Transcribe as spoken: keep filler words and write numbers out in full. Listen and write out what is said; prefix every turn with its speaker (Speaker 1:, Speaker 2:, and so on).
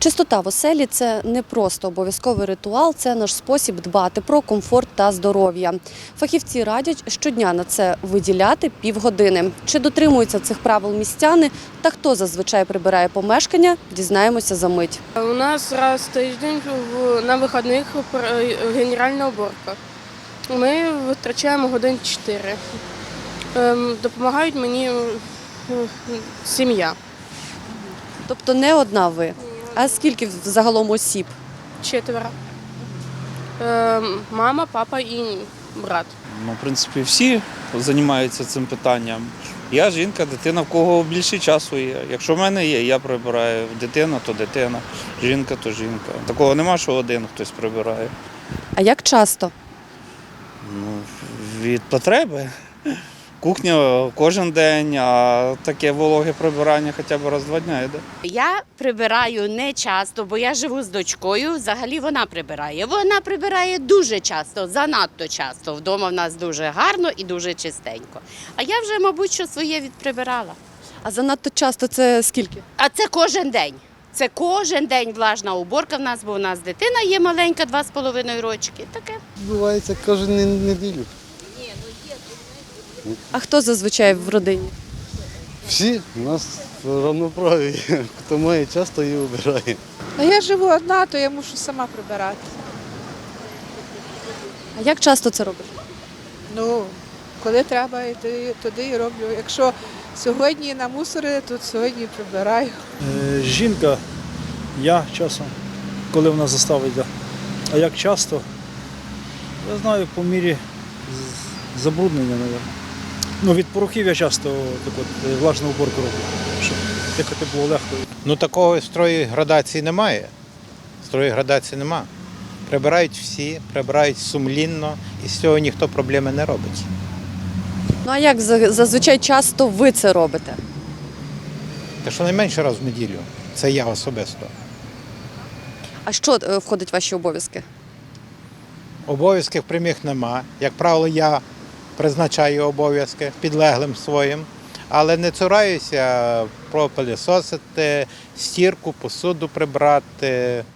Speaker 1: Чистота в оселі – це не просто обов'язковий ритуал, це наш спосіб дбати про комфорт та здоров'я. Фахівці радять щодня на це виділяти півгодини. Чи дотримуються цих правил містяни та хто зазвичай прибирає помешкання, дізнаємося за мить.
Speaker 2: У нас раз в тиждень в- на вихідних пр- генеральна уборка. Ми витрачаємо годин чотири. Ем, Допомагають мені е, сім'я.
Speaker 1: Тобто не одна ви, а скільки загалом осіб?
Speaker 2: Четверо. Ем, Мама, папа і брат.
Speaker 3: Ну, в принципі, всі займаються цим питанням. Я жінка, дитина, в кого більше часу є. Якщо в мене є, я прибираю. Дитина, то дитина, жінка, то жінка. Такого нема, що один хтось прибирає.
Speaker 1: А як часто?
Speaker 3: Ну, від потреби. Кухня кожен день, а таке вологе прибирання хоча б раз в два дні йде.
Speaker 4: Я прибираю не часто, бо я живу з дочкою. Взагалі вона прибирає. Вона прибирає дуже часто, занадто часто. Вдома в нас дуже гарно і дуже чистенько. А я вже, мабуть, що своє відприбирала.
Speaker 1: А занадто часто це скільки?
Speaker 4: А це кожен день. Це кожен день влажна уборка в нас, бо в нас дитина є маленька, два з половиною рочки. Таке.
Speaker 5: Відбувається кожен не- неділю.
Speaker 1: А хто зазвичай в родині?
Speaker 5: Всі у нас равноправі. Хто має час, то і обирає.
Speaker 6: А я живу одна, то я мушу сама прибирати.
Speaker 1: А як часто це робиш?
Speaker 6: Ну, коли треба, йти туди і роблю. Якщо сьогодні намусорили, то сьогодні прибираю.
Speaker 7: Е, Жінка, я часом, коли вона заставить. да. А як часто? Я знаю, по мірі з- забруднення, мабуть. Ну, від порохів я часто так от, е, влажну уборку роблю, щоб дихати було легко.
Speaker 8: Ну такого строї градації немає. Строї градації нема. Прибирають всі, прибирають сумлінно, і з цього ніхто проблеми не робить.
Speaker 1: Ну а як за- зазвичай часто ви це робите?
Speaker 8: Та щонайменше раз в неділю. Це я особисто.
Speaker 1: А що е, входить в ваші обов'язки?
Speaker 8: Обов'язків прямих нема. Як правило, я призначаю обов'язки підлеглим своїм, але не цураюся пропилісосити, стірку, посуду прибрати.